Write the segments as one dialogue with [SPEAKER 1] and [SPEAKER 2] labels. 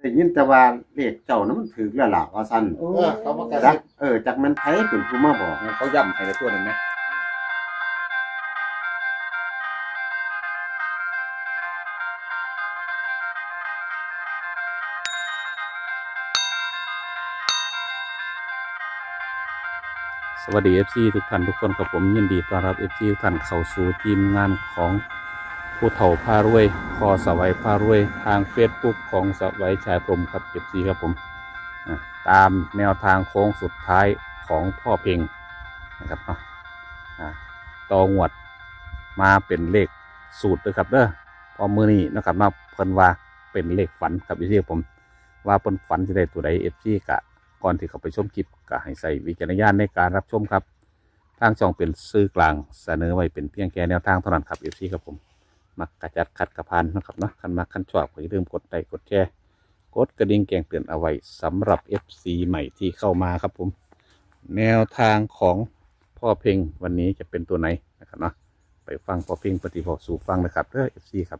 [SPEAKER 1] ได้ยินแต่ว่าเลขเจ้านั้นมันถูกแล้วล่ะว่าซั่น
[SPEAKER 2] เขามากระ
[SPEAKER 1] จัก
[SPEAKER 2] ซิบ
[SPEAKER 1] จักมันไผเป็นผู้มาบอก
[SPEAKER 3] เขาย้ำให้ในตัวนึงไหมสวัสดี FC ทุกท่านทุกคนกับผมยินดีต้อนรับ FC ทุกท่านเข้าสู่ทีมงานของผู้เฒ่าพารวยพอสวัยพารวยทาง Facebook ของสวัยชายพรหมครับ FC ครับผมตามแนวทางโค้งสุดท้ายของพ่อเพ็งนะครับเนาะต่องวดมาเป็นเลขสูตรเลยครับเด้อพอมือนี้นะครับมาเพิ่นว่าเป็นเลขฝันครับ FC ผมว่าเพิ่นฝันจะได้ตัวใด FC กะก่อนที่เขาไปชมคลิปก็ให้ใส่วิจารณญาณในการรับชมครับทางช่องเป็นสื่อกลางเสนอไว้เป็นเพียงแค่แนวทางเท่านั้นครับ FC ครับผมมักกระจัดขัดกระพานนะครับเนาะคันมาคันชอบก็อย่าลืมกดไลค์กดแชร์กดกระดิ่งแจ้งเตือนเอาไว้สำหรับ FC ใหม่ที่เข้ามาครับผมแนวทางของพ่อเพ็งวันนี้จะเป็นตัวไหนนะครับเนาะไปฟังพ่อเพ็งปฏิบัติสู่ฟังนะครับเด้อ FC ครับ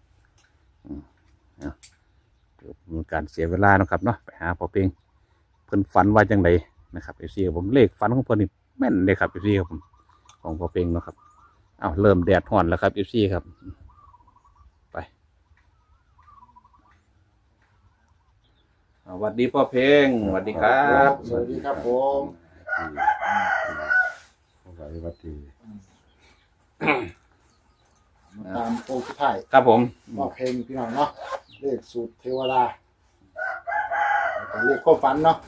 [SPEAKER 3] มีการเสียเวลานะครับเนาะไปหาพ่อเพ็งเพิ่นฝันว่าจังไดนะครับ FC ผมเลขฝันของเพิ่นนี่แม่นเลยครับ FC ครับผมของพ่อเพ็งเนาะครับเอาเริ่มแดดฮ้อนแล้วครับ FC ครับไปสวัสดีพ่อเพ็งสวัสดีครับ
[SPEAKER 2] สวัสดีครับผม
[SPEAKER 1] สวัสดี
[SPEAKER 2] มาตามโค้งสุดท้าย
[SPEAKER 3] ครับผม
[SPEAKER 2] มอบเพลงพี่น้องเนาะเลขสูตรเทวดาเลขความฝันเนาะ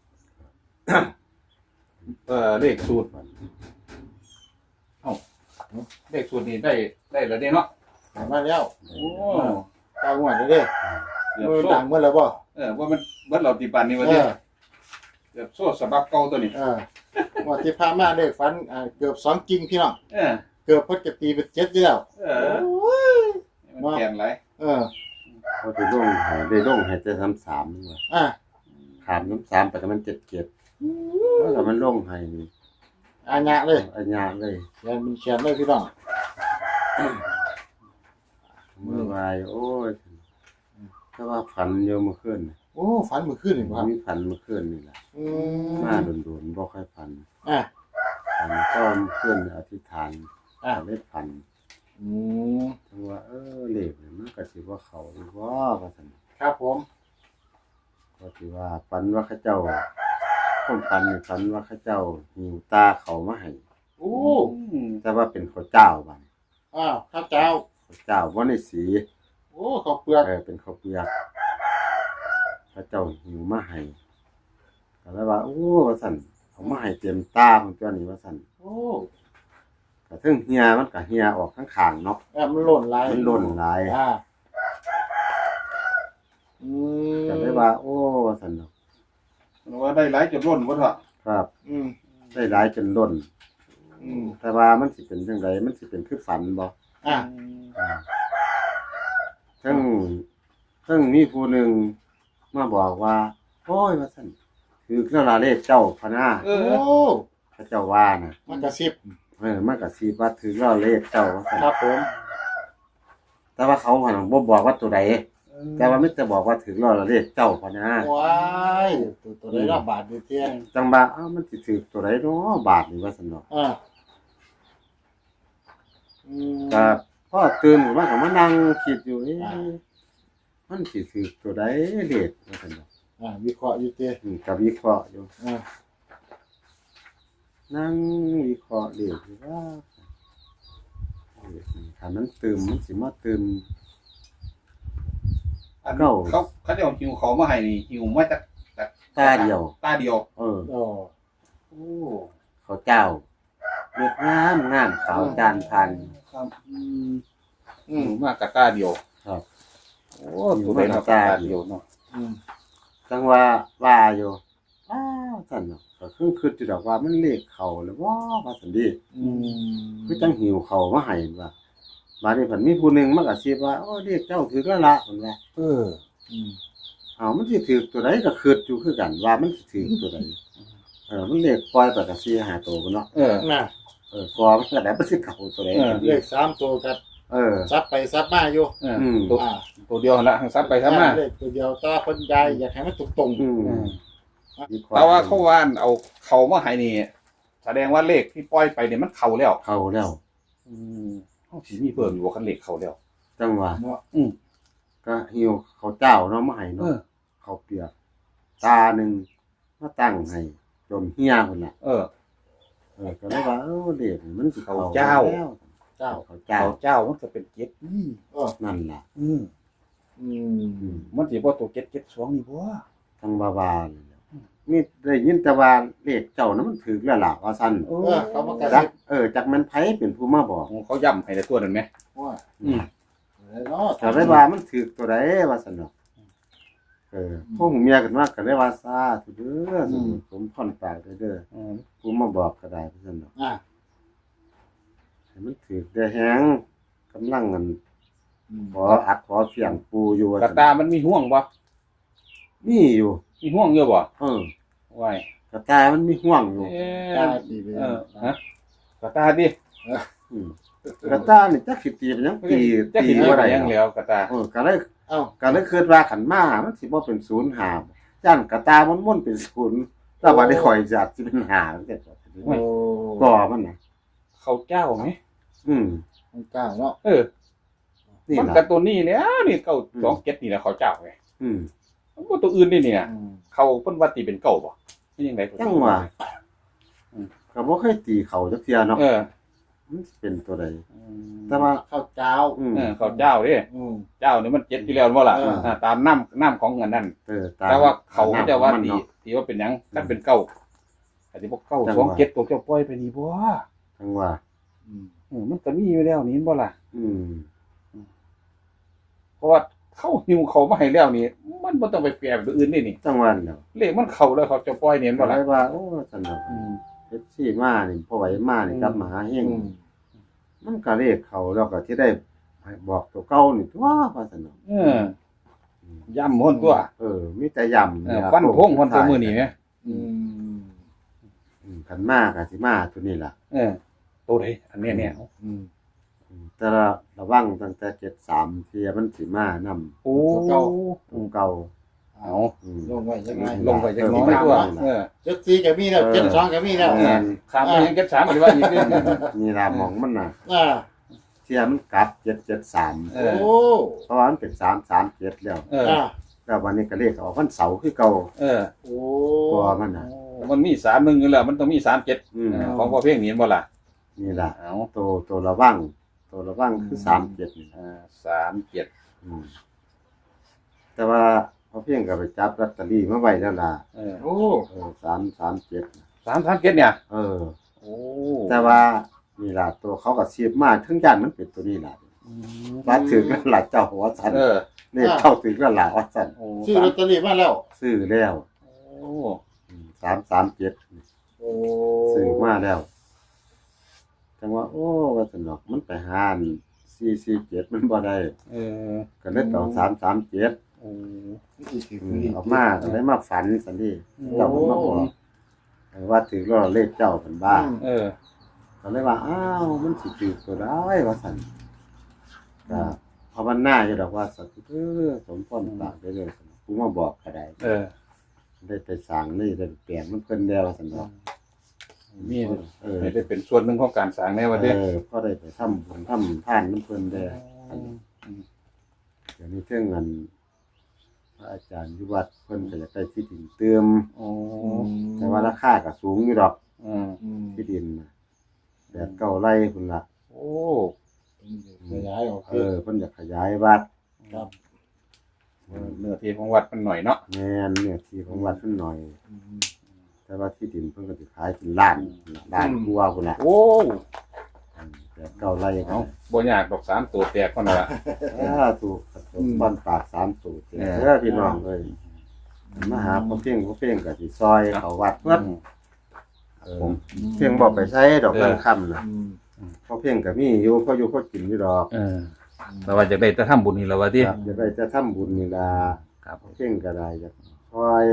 [SPEAKER 3] เลขสูตรเอ้าเลขสูตรนี่ได้แล้วเนี่ยเนาะ
[SPEAKER 2] มาแล้ว
[SPEAKER 3] โอ้
[SPEAKER 2] ตางวดเลยเด้
[SPEAKER 3] เกือบ
[SPEAKER 2] มือ
[SPEAKER 3] โซ่
[SPEAKER 2] ต่างเมื่อแล้วบ่
[SPEAKER 3] ว่ามันเบิดเราตีปันนี่วะเนี่ยเกือบโซ่สะบักเก่าตัวนี้
[SPEAKER 2] งวดที่ผ่านมาเลขฝันเกือบ2กิ่งพี่น้อง
[SPEAKER 3] เออ
[SPEAKER 2] เกือบเพิ่นจะตีเป็น7อยู่แล้ว
[SPEAKER 3] มันแข็งไร
[SPEAKER 1] เขาได้ลงให้แต่33ว่าขาม33ไปก็มัน7เกียรติแล้วมันลงให้นี่
[SPEAKER 2] อาญะเลย
[SPEAKER 1] อัญญาเลย
[SPEAKER 2] เขียนเป็นเขียนเลยพี่น้อง
[SPEAKER 1] เมื่อวายโอ้ยถ้าว่าฝันอยู่เมื่อคืนน่ะ
[SPEAKER 2] โอ้ฝันเมื่อคืนนี่บ่ครับ
[SPEAKER 1] มีฝันเมื่อคืนนี่แหละ มาโดนบ่ค่อยฝัน
[SPEAKER 2] อ่ะ
[SPEAKER 1] ฝันก็เมื่อคืนอธิษฐาน เล่นฝัน
[SPEAKER 2] อืม
[SPEAKER 1] ทั้งว่าเลขนี่มันก็สิว่าเขาหรือว่าซั่น
[SPEAKER 2] ครับผม
[SPEAKER 1] ก็สิว่าฝันว่าเขาเจ้าผมฝันนี่ฝันว่าเขาเจ้าหิวตาเขามาให้
[SPEAKER 2] โอ้
[SPEAKER 1] แต่ว่าเป็นข้าวเจ้าบัด
[SPEAKER 2] ข้าวเจ้า
[SPEAKER 1] ข้าวเจ้าบ่ได้สี
[SPEAKER 2] โอ้ข้าวเปลือก
[SPEAKER 1] เป็นข้าวเปียกเขาเจ้าหิวมาให้ก็เลยว่าโอ้ว่าซั่นเอามาให้เต็มตาของเจ้านี่ว่าซั่น
[SPEAKER 2] โอ้
[SPEAKER 1] ก็ถึงเหียมันก็เหียออกข้างๆเนาะ
[SPEAKER 2] มันหล่นหลาย
[SPEAKER 1] มันหล่นหลาย
[SPEAKER 2] อืม
[SPEAKER 1] ก็เลยว่าโอ้ว่าซั่นเนาะ
[SPEAKER 3] ว่าได้หลายจุดร่นวะเถอะ
[SPEAKER 1] ครับ
[SPEAKER 2] อืม
[SPEAKER 1] ได้หลายจนล้น
[SPEAKER 2] อืม
[SPEAKER 1] แต่ว่ามันสิเป็นจังไดมันสิเป็นคือฝันบ่ ซึ่งมีผู้หนึ่งมาบอกว่าโอ้ยว่าซั่นคือเครื่องลาเลขเจ้าพะนา
[SPEAKER 2] โอ้
[SPEAKER 1] พระเจ้าว่าน่ะ
[SPEAKER 2] มันกระซิบ
[SPEAKER 1] มันก็สิว่าถือเราเลขเจ้าว่าซั่น
[SPEAKER 2] ครับผม
[SPEAKER 1] แต่ว่าเขาหันบ่บอกว่าตัวใดแต่ว่ามิจะบอกว่าถือเราเลขเจ้าพะนา
[SPEAKER 2] ว้ายตัวได้รับบาทอยู่เที่ยง
[SPEAKER 1] จังว่ามันสิถือตัวใดเนาะบาทนี่ว่าซั่นเนาะ
[SPEAKER 2] อืม
[SPEAKER 1] ก็พอตื่นขึ้นมาก็มานั่งคิดอยู่มันสิถือตัวใดเลขว่าซั่นเนาะ
[SPEAKER 2] วิเคราะห์อยู่เที่ยง
[SPEAKER 1] ก็วิเคราะห์อยู่
[SPEAKER 2] อ่า
[SPEAKER 1] นั่งวิเคราะห์เลขอยู่ว่าถ้ามันตื่มมันสิมาตื่ม
[SPEAKER 3] เขาจะเอาหิวเขามาให้นี่หิวมาจาก
[SPEAKER 1] ตาเดียว
[SPEAKER 3] ตาเดียว
[SPEAKER 2] โอ้
[SPEAKER 3] โอ้
[SPEAKER 1] เขาเจ้าเลือดงามขาวจานพัน
[SPEAKER 3] ครับหิวมากกับตาเดียว
[SPEAKER 1] ครับ
[SPEAKER 3] โอ้ตัวเดียวตาเดียวเนาะ
[SPEAKER 1] จังว่าอยู่ซั่นเนาะก็คืออยู่ดอกว่ามันเลขเขาแล้วว่าซั่นดิคือจังหิวเขามาให้ว่าบาดนี้เพิ่นมีผู้หนึงมากระซิบว่าโอ้เลขเจ้าถือแล้วล่ะเพิ่นว่ามันสิถือตัวใดก็คิดอยู่คือกันว่ามันสิถือตัวใดมันเลขปล่อยไปก็สิหาตัวพุ่นเนาะ
[SPEAKER 2] น่ะ
[SPEAKER 1] พอมันก็ได้บ่สิเข้าตัวใด
[SPEAKER 2] เลข3ตัวกับซับไปซับมาอยู่
[SPEAKER 3] ตัวตัวเดียวละซับไปซับมา
[SPEAKER 2] เลขตัวเดียวแต่ว่าคนยายอยากให้มันตรง
[SPEAKER 3] แต่ว่าเขาว่านเอาเขามาให้นี่แสดงว่าเลขที่ปล่อยไปเนี่ยมันเข้าแล้ว
[SPEAKER 1] เข้าแล้ว
[SPEAKER 3] เขาสิมีเพิ่มอยู่ว่าคันเลขเข้าแล้ว
[SPEAKER 1] จังหวะ
[SPEAKER 2] ๆเนาะ
[SPEAKER 1] ก็หิวเขาวเจ้าเนาะมาให้เนาะเขาวเปียกตาหนึ่งมาตั้งให้จนเฮียพุ่นน่ะก็เลยว่าเด็กมันสิ
[SPEAKER 3] เขาเจ้า
[SPEAKER 1] แล้ว
[SPEAKER 2] เจ้า
[SPEAKER 1] เขาเจ้า
[SPEAKER 3] เขาเจ้ามันก็เป็นเจ็ดนี่
[SPEAKER 1] นั่นล่ะ
[SPEAKER 3] มันสิบ่ตัวเจ็ดเจ็ดสองนี่บ่
[SPEAKER 1] ทั้งบาบาเลยนี่ได้ยินแต่ว่าเลขเจ้านั้นมันถูกแล้วล่ะว่าซั่น
[SPEAKER 2] เขามากระ
[SPEAKER 1] จั
[SPEAKER 2] ซิ
[SPEAKER 1] ก
[SPEAKER 2] บ
[SPEAKER 1] จักมันไผเป็นผู้มาบอก
[SPEAKER 3] เขาย้ำให้ในตัวนั่นไหม
[SPEAKER 2] ว่าเนาะ
[SPEAKER 1] ก็เลยว่ามันถูกตัวใดว่าซั่นเนาะพวกเมียกันว่าก็เลยว่าซาธุเด้อสมพรปากเด้อผู้มาบอกก็ได้ว่าซั่นเนาะ ให้มันถูกได้แฮงกำลังกันขออัดขอเสียงปูอยู่ว่าก
[SPEAKER 3] ระตามันมีห่วงบ่
[SPEAKER 1] มีอยู่
[SPEAKER 3] มีห่วงเยอะบ่ ไว้
[SPEAKER 1] กระตายมันมีห่วงอยู่
[SPEAKER 2] ตาดีเลย
[SPEAKER 3] ฮะกระตาดิ
[SPEAKER 1] กระตานี่จักสิตีเป็นหยังตี
[SPEAKER 3] จะ
[SPEAKER 1] ตี
[SPEAKER 3] กิน
[SPEAKER 1] บ่
[SPEAKER 3] อะไร
[SPEAKER 1] ได้
[SPEAKER 3] ยังแล้วกระตา
[SPEAKER 1] ก็เลย
[SPEAKER 2] เอ้า
[SPEAKER 1] ก็เลยคิดว่าขันมามันสิบ่เป็นศูนย์หาย่านกระตามันม่วนเป็นศูนย์แต่ว่าได้ข่อยจัดสิเป็นหาจังซี่ก็มันน่ะ
[SPEAKER 3] เขาเจ้าไหม
[SPEAKER 2] เจ้าเนาะ
[SPEAKER 1] นี่
[SPEAKER 3] มัน
[SPEAKER 1] ล่ะ
[SPEAKER 3] กับตัวนี้เนี่ยนี่เก้าสองเจ็ดนี่แหละเขาเจ้าไง มันบ่ตัวอื่นนี่เนี่ยเขาเพิ่นว่าตีเป็นเก่าบ่นี่ยังไง
[SPEAKER 1] จังว่าก็บ่เคยตีเขาจักเที่ยเนาะมันสิเป็นตัวใดแต่ว่า
[SPEAKER 2] ข้าวเจ้า
[SPEAKER 3] เขาเจ้าเด้เจ้านี่มันเจ็ดอยู่แล้วบ่ล่ะตามน้ำของเงินนั่นแต่ว่าเขาจะว่าตีว่าเป็นหยังถ้าเป็นเก่าแต่ที่พวกเก่าสองเจ็ดตัวเจ้าปล่อยไปนี่บ่
[SPEAKER 1] จังว่า
[SPEAKER 3] มันก็มีอยู่แล้วนี่บ่ล่ะ
[SPEAKER 1] อืม
[SPEAKER 3] เพราะว่าเข้าหิวเขามาให้แล้วนี่มันบ่ต้องไปแปลแบบอื่นนี่นี่
[SPEAKER 1] จังหวันเนาะ
[SPEAKER 3] เลขมันเข้าแล้วเขาจะปล่อยนี่บ่
[SPEAKER 1] ก็
[SPEAKER 3] ล่ะ
[SPEAKER 1] เลยว่าโอ้ซั่นเนาะเฮ็ดซี่มานี่พอไหวมานี่กลับมาหาเฮงมันก็เลขเขาแล้วก็สิได้ให้บอกตัวเก่านี่ตัวว่าซั่นเนาะ
[SPEAKER 3] ย่ำหนตัว
[SPEAKER 1] มีแต่ย่ำ
[SPEAKER 3] ฟันพงคนตัวมือนี่แหม
[SPEAKER 1] คันมาก็สิมาตัวนี้ล่ะ
[SPEAKER 3] ตัวใดอันนี้เนี่ย
[SPEAKER 1] แต่ระวังตั้งแต่73เที่ยมันสิมานำ
[SPEAKER 3] โอ้
[SPEAKER 1] ตัวเก่า
[SPEAKER 3] เอา
[SPEAKER 2] ลงไว้ยังไง
[SPEAKER 3] ลงไปจักน้อยตัว
[SPEAKER 2] 74ก็มีแล้ว72ก็มีแล้ว
[SPEAKER 3] ข้ามไปยังเก็บ3หรือว่าอีก
[SPEAKER 1] นี่ล่ะหมองมันน่ะ
[SPEAKER 2] อ่า
[SPEAKER 1] เที่ยมันกลับ773
[SPEAKER 2] โอ้
[SPEAKER 1] เพราะว่ามันเป็น337แล้ว
[SPEAKER 2] อ่า
[SPEAKER 1] แล้ววันนี้ก็เลขออกวันเสาร์คือเก่า
[SPEAKER 2] โอ้
[SPEAKER 1] ตัวมันน่ะ
[SPEAKER 3] มันมี31อยู่แล้วมันต้องมี37ของพ่อเพ่งนี่บ่ล่ะ
[SPEAKER 1] นี่ล่ะ
[SPEAKER 3] เอา
[SPEAKER 1] ตัวระวังคือ37นี่
[SPEAKER 3] 37
[SPEAKER 1] แต่ว่าพอเพียงก็ไปจับลอตเตอรี่มาไว้แล้วล่ะ
[SPEAKER 2] โอ้
[SPEAKER 1] 337
[SPEAKER 3] 337เนี่ย โอ้
[SPEAKER 1] แต่ว่านี่ล่ะตัวเขาก็เสียบมาถึงย่านมันเป็นตัวนี้ล่ะว่าถึงแล้วล่ะเจ้าว่าซั่นนี่เข้าถึงแล้วล่ะว่าซั่น
[SPEAKER 2] ซื้อลอตเตอรี่มาแล้ว
[SPEAKER 1] ซื้อแล้ว
[SPEAKER 3] โอ้
[SPEAKER 1] 337
[SPEAKER 2] โอ้
[SPEAKER 1] ซื้อมาแล้วจังว่าโอ้ว่าซั่นดอกมันไปหาอัน447มันบ่ได้ก็เลยต้อง337
[SPEAKER 3] โอ้
[SPEAKER 1] ออกมาก็เลยมาฝันซั่นดิเจ้ามันมาบอกว่าถึงแล้วเลขเจ้าเพิ่นบ้าก็เลยว่าอ้าวมันสิถูกตัวได้ว่าซั่นก็ภาวนาอยู่ดอกว่าสัตว์สมพรปากได้เลยกูมาบอกก็ได้ได้ไปสร้างนี่ได้แปลงมันเพิ่นแล้วว่าซั่นดอก
[SPEAKER 3] มีได้เป็นส่วนหนึ่งของการสร้างแน่ว่าเด้
[SPEAKER 1] พอได้ไปทำบุญทำทานมันเพิ่นได้เดี๋ยวนี้เรื่องเงินพระอาจารย์อยู่วัดเพิ่นก็จะได้ที่ดินเติมแต่ว่าราคาก็สูงอยู่ดอกที่ดินแบบเก่าไร่พุ่นล่ะ
[SPEAKER 3] โอ้
[SPEAKER 2] ขยายออก
[SPEAKER 1] เพิ่นอยากขยายวัด
[SPEAKER 2] ครับ
[SPEAKER 3] เนื้อที่ของวัดมันหน่อยเนาะ
[SPEAKER 1] แม่นเนี่ยที่ของวัดเพิ่นหน่อย แต่ว่าที่ดินเพิ่นก็สิขายเป็นล้านกว่าพุ่นล่ะ
[SPEAKER 3] โอ้
[SPEAKER 1] แบบเก่าไร่
[SPEAKER 3] เอาบ่ยากดอก3ตัวแตกคนละ
[SPEAKER 1] ถูกบ้านปาก3ตัวพี่น้องเอ้ยมาหาพ่อเพียงก็สิซอยเขาวัดเพิ่นเพียงบ่ไปใช้ดอกเงินค่ำน่ะพ่อเพียงก็มีอยู่พออยู่พอกินอยู่ดอก
[SPEAKER 3] แต่ว่าจะได้จะทำบุญนี่แล้วว่าติ
[SPEAKER 1] จะได้จะทำบุญนี่ล่ะ
[SPEAKER 3] ครับ
[SPEAKER 1] พ่อเพียงก็ได้จะซอย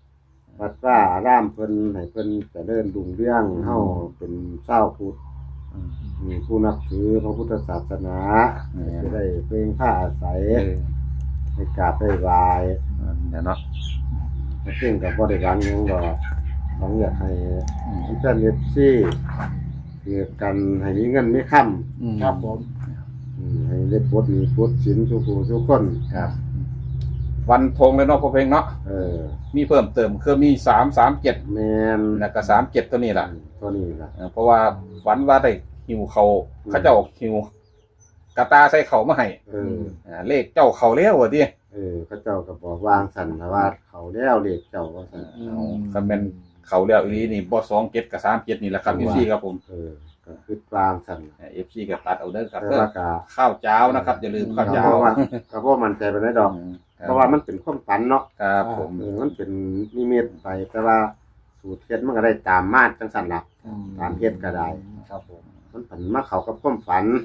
[SPEAKER 1] วัดว่าอารามเพิ่นให้เพิ่นเจริญรุ่งเรืองเฮาเป็นชาวพุทธมีผู้นับถือพระพุทธศาสนา
[SPEAKER 3] อืม
[SPEAKER 1] จะได้เพิ่งผ้าอาศัย
[SPEAKER 3] เออ
[SPEAKER 1] ให้กราบได้ไหวาย
[SPEAKER 3] เดี๋ยวเนาะ
[SPEAKER 1] ซึ่งกับบริการยังดอกของอยากให้เพื่อนเอฟซีคือกันให้มีเงินมีค่
[SPEAKER 2] ครับผม
[SPEAKER 1] ำให้ได้ปลดหนี้ปลดสินสุขุสุขคน
[SPEAKER 3] ครับวันธงเลยเนาะพ่อเพลงเนาะ
[SPEAKER 1] เออ
[SPEAKER 3] มีเพิ่มเติมคือมี337
[SPEAKER 1] แมน
[SPEAKER 3] แล้วก็37ตัวนี้ล่ะ
[SPEAKER 1] ตัวนี้ล่ะ
[SPEAKER 3] เพราะว่าฝันว่าได้หิวเขาเขาเจ้าหิวกระตาใส่เขามาให้
[SPEAKER 1] เออ
[SPEAKER 3] เลขเจ้าเขาแล้วว่าดิ
[SPEAKER 1] เขาเจ้าก็บอกวางสันนะว่าเขาแล้วเรียกเจ้าว่าสัน
[SPEAKER 3] คำเป็นเขาแล้วอีหลีนี่บ่27กับ37นี่แหละครับพี่ครับผม
[SPEAKER 1] ก็คือวางสัน
[SPEAKER 3] FC ก็ตัดเอาเด้อครับ
[SPEAKER 1] แต่
[SPEAKER 3] เด้อ
[SPEAKER 1] ว่าก็
[SPEAKER 3] ข้าวเจ้านะครับอย่าลืมข้าว
[SPEAKER 1] ก็
[SPEAKER 3] เจ้า
[SPEAKER 1] เพราะว่าก็เพราะมันใจไปได้ดอก เพราะว่ามันเป็นความฝันเนาะ
[SPEAKER 3] ครับผม
[SPEAKER 1] มันเป็นนิมิตไปแต่ว่าสูตรเฮ็ดมันก็ได้ตามมาตรจังสันล่ะตามเฮ็ดก็ได้
[SPEAKER 2] ครับผม
[SPEAKER 1] มันผันมาเข้ากับความฝัน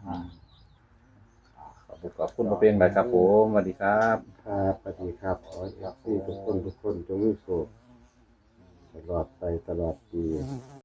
[SPEAKER 3] ขอบคุณพ่อเพลงเลยครับผมสวัสดีครับ
[SPEAKER 1] ครับสวัสดีครับขอให้ทุกคนจงมีสุขตลอดไปตลอดปี